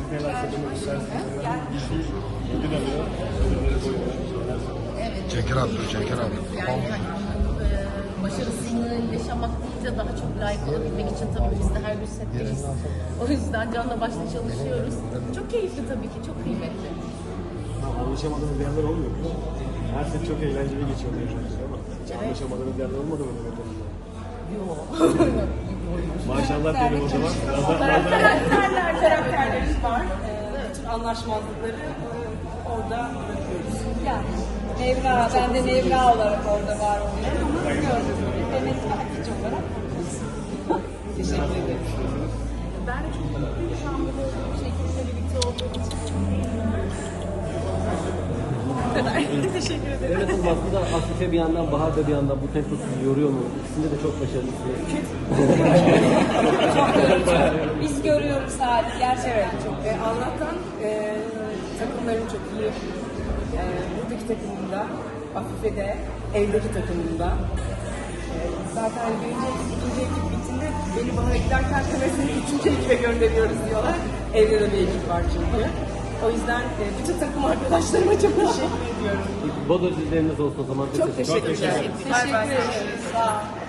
neler söylemek istersiniz? Ödül alıyor. Ödülleri koyuyor. Evet. Ceker abi, Ceker abi. Yani hani, başarısını yaşamak değil de daha çok layık olabilmek için tabii biz de her gün setteyiz. O yüzden canla başla çalışıyoruz. Çok keyifli tabii ki, çok kıymetli. Anlaşamadığınız yerler olmuyor mu? Her set çok eğlenceli geçiyor diyorsunuz ama hiç anlaşamadığınız yerler olmadı mı böyle durumda? Yok. Maşallah diyelim o zaman. Karakterlerimiz var. Bütün anlaşmazlıkları orada bırakıyoruz. Yani Nevra, ben de Nevra olarak orada var oluyorum ama gördüğünüz gibi Demet ve Hatice olarak. Teşekkür ederim. Ben de çok mutluyum şu an burada olduğum şekilde birlikte olduğum için. Bu kadar. Teşekkür ederim. Evet, aslında Afife bir yandan, Bahar da bir yandan bu tempo sizi yoruyor mu? İkisinde de çok başarılısınız. Çok yorucu. Biz görüyoruz hali gerçekten çok. Allah'tan takımlarım çok iyi. Buradaki takımımda, Afife'de, evdeki takımımda. Zaten birinci ekip, ikinci ekip bittiğinde beni bana giderken seni üçüncü ekibe gönderiyoruz diyorlar. Evde de bir ekip var çünkü. O yüzden bütün takım arkadaşlarıma çok teşekkür ediyorum. Bodo dizileriniz olsun o zaman. Çok teşekkür ederim. Teşekkür ederim. Sağ olun.